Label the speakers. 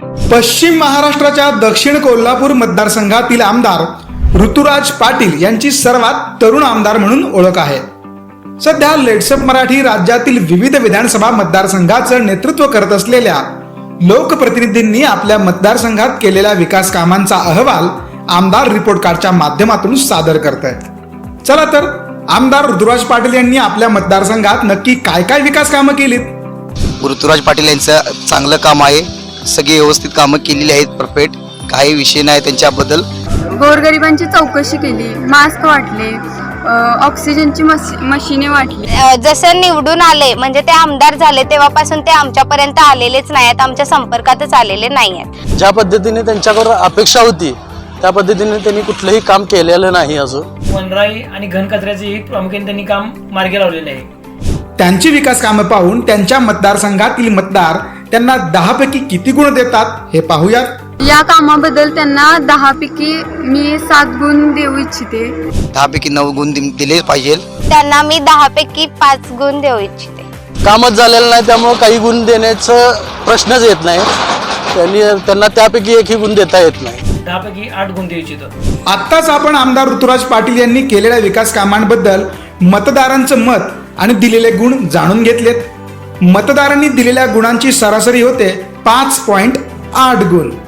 Speaker 1: पश्चिम महाराष्ट्राच्या दक्षिण कोल्हापूर मतदारसंघातील आमदार ऋतुराज पाटील यांची सर्वात तरुण आमदार म्हणून ओळख आहे. सध्या लेट्सअप मराठी राज्यातील विविध विधानसभा मतदारसंघाचं नेतृत्व करत असलेल्या लोकप्रतिनिधींनी आपल्या मतदारसंघात केलेल्या विकास कामांचा अहवाल आमदार रिपोर्ट कार्डच्या माध्यमातून सादर करतायत. चला तर आमदार ऋतुराज पाटील यांनी आपल्या मतदारसंघात नक्की काय काय विकास कामं केलीत.
Speaker 2: ऋतुराज पाटील यांचं चांगलं काम आहे. सगळी व्यवस्थित कामं केलेली आहेत. परफेक्ट, काही विषय नाही त्यांच्याबद्दल.
Speaker 3: गोरगरिबांची चौकशी केली, मास्क वाटले, ऑक्सिजनची मशिने वाटली.
Speaker 4: जसं निवडून आले म्हणजे ते आमदार झाले तेव्हापासून ते आमच्यापर्यंत आलेलेच नाही आहेत, आमच्या संपर्कातच आलेले नाही आहेत.
Speaker 5: ज्या पद्धतीने त्यांच्याकडून अपेक्षा होती त्या पद्धतीने त्यांनी कुठलंही काम केलेलं नाही. अजून
Speaker 6: वनराई आणि घनकचऱ्याचे प्रामुख्याने त्यांनी काम मार्गी लावलेले आहे.
Speaker 1: त्यांची विकास कामं पाहून त्यांच्या मतदारसंघातील मतदार त्यांना 10 पैकी किती गुण देतात हे पाहूयात.
Speaker 3: या कामाबद्दल त्यांना 10 पैकी मी 7 गुण देऊ इच्छिते.
Speaker 2: 10 पैकी 9 गुण दिले पाहिजे.
Speaker 4: त्यांना मी 10 पैकी 5 गुण देऊ इच्छिते.
Speaker 5: कामच झालेलं नाही त्यामुळे काही गुण देण्याचं प्रश्नच येत नाही. त्यांना त्यापैकी एकही गुण देता येत नाही.
Speaker 6: 10 पैकी 8 गुण देऊ इच्छितो.
Speaker 1: आत्ताच आपण आमदार ऋतुराज पाटील यांनी केलेल्या विकास कामांबद्दल मतदारांचं मत आणि दिलेले गुण जाणून घेतलेत. मतदारांनी दिलेल्या गुणांची सरासरी होते 5.8 गुण.